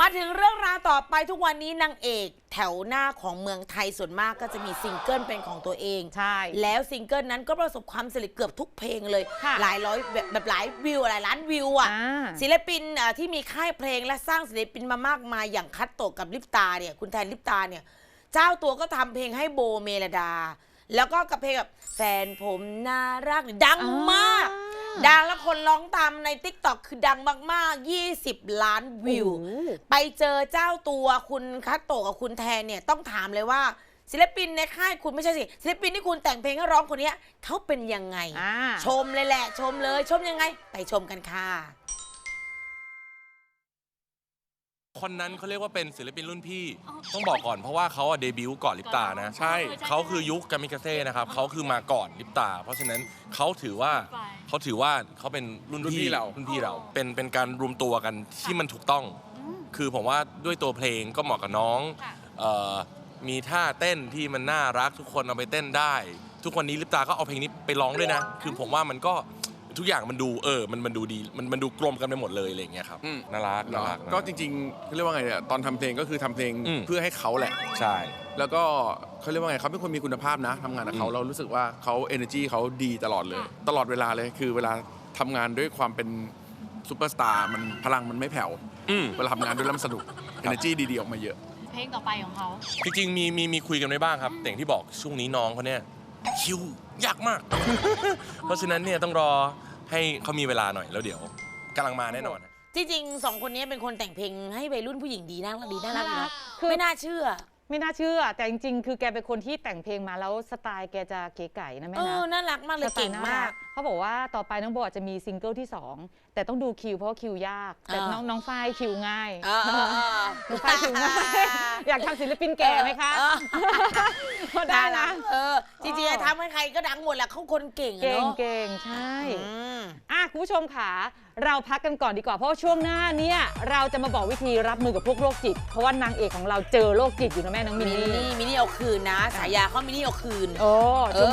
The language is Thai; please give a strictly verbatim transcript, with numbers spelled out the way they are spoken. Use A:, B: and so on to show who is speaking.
A: มาถึงเรื่องราวต่อไปทุกวันนี้นางเอกแถวหน้าของเมืองไทยส่วนมากก็จะมีซิงเกิลเป็นของตัวเอง
B: ใช่
A: แล้วซิงเกิลนั้นก็ประสบความสำเร็จเกือบทุกเพลงเลยหลายร้อยแบบแบบหลายวิวหลายล้านวิวอ่ะศิลปินที่มีค่ายเพลงและสร้างศิลปินมามากมายอย่างคัตโตะกับลิปตาเนี่ยคุณแทนลิปตาเนี่ยเจ้าตัวก็ทำเพลงให้โบเมลดาแล้วก็กับเพลงแบบแฟนผมน่ารักดังมากดังแล้วคนร้องตามใน ติ๊กต็อก คือดังมากๆยี่สิบล้านวิวไปเจอเจ้าตัวคุณคัตโตะกับคุณแทนเนี่ยต้องถามเลยว่าศิลปินในค่ายคุณไม่ใช่สิศิลปินที่คุณแต่งเพลงให้ร้องคนนี้เขาเป็นยังไงชมเลยแหละชมเลยชมยังไงไปชมกันค่ะ
C: คนนั้นเขาเรียกว่าเป็นศิลปินรุ่นพี่ต้องบอกก่อนเพราะว่าเขาเดบิวต์ก่อนลิปตานะใช่เขาคือยุคกามิกาเซ่นะครับเขาคือมาก่อนลิปตาเพราะฉะนั้นเขาถือว่าเขาถือว่าเขาเป็นรุ่นพี่เรารุ่นพี่เราเป็นเป็นการรวมตัวกันที่มันถูกต้องคือผมว่าด้วยตัวเพลงก็เหมาะกับน้องมีท่าเต้นที่มันน่ารักทุกคนเอาไปเต้นได้ทุกวันนี้ลิปตาก็เอาเพลงนี้ไปร้องด้วยนะคือผมว่ามันก็ทุกอย่างมันดูเออมันมันดูดีมันมันดูกลมกันไปหมดเลยอะไรอย่างเงี้ยครับน่ารักน่ารัก
D: ก็จริงๆเขาเรียกว่าไงเนี่ยตอนทำเพลงก็คือทำเพลงเพื่อให้เขาแหละ
C: ใช่
D: แล้วก็เขาเรียกว่าไงเขาเป็นคนมีคุณภาพนะทำงานกับเขาเรารู้สึกว่าเขา energy เขาดีตลอดเลยตลอดเวลาเลยคือเวลาทำงานด้วยความเป็นซูเปอร์สตาร์มันพลังมันไม่แผ่วเวลาทำงานด้วยแล้วมันสนุก energy ดีๆออกมาเยอะ
E: เพลงต่อไปของเขา
C: จริงๆมีมีมีคุยกันไว้บ้างครับแต่อย่างที่บอกช่วงนี้น้องเขาเนี่ยคิวยากมาก เพราะฉะนั้นเนี่ยต้องรอให้เขามีเวลาหน่อยแล้วเดี๋ยวกำลังมาแน่นอน
A: จริงๆสองคนนี้เป็นคนแต่งเพลงให้วัยรุ่นผู้หญิงดีน่ารักดีน่ารักดีนะไม่น่าเชื่อ
B: ไม่น่าเชื่อแต่จริงๆคือแกเป็นคนที่แต่งเพลงมาแล้วสไตล์แกจะเก๋ไก่นะแม่นะเอ
A: อน่ารักมากเลยเก่งมาก
B: เขาบอกว่าต่อไปน้องโบจะมีซิงเกิลที่สองแต่ต้องดูคิวเพราะคิวยากแต่น้องน้องฝ้ายคิวง่ายน้องฝ้ายคิวง่ายอยากทำศิลปินแก่ไหมคะ
A: ก็ได้นะเออจริงๆทำให้ใครก็ดังหมดแหละเขาคนเก่ง
B: เก่งเก่งใช่อ่ะคุณผู้ชมค่ะเราพักกันก่อนดีกว่าเพราะช่วงหน้าเนี่ยเราจะมาบอกวิธีรับมือกับพวกโรคจิตเพราะว่านางเอกของเราเจอโรคจิตอยู่นะแม่น้องมินนี่
A: มินนี่เอาคืนนะฉายาเขามินนี่เอาคืน
B: โอ้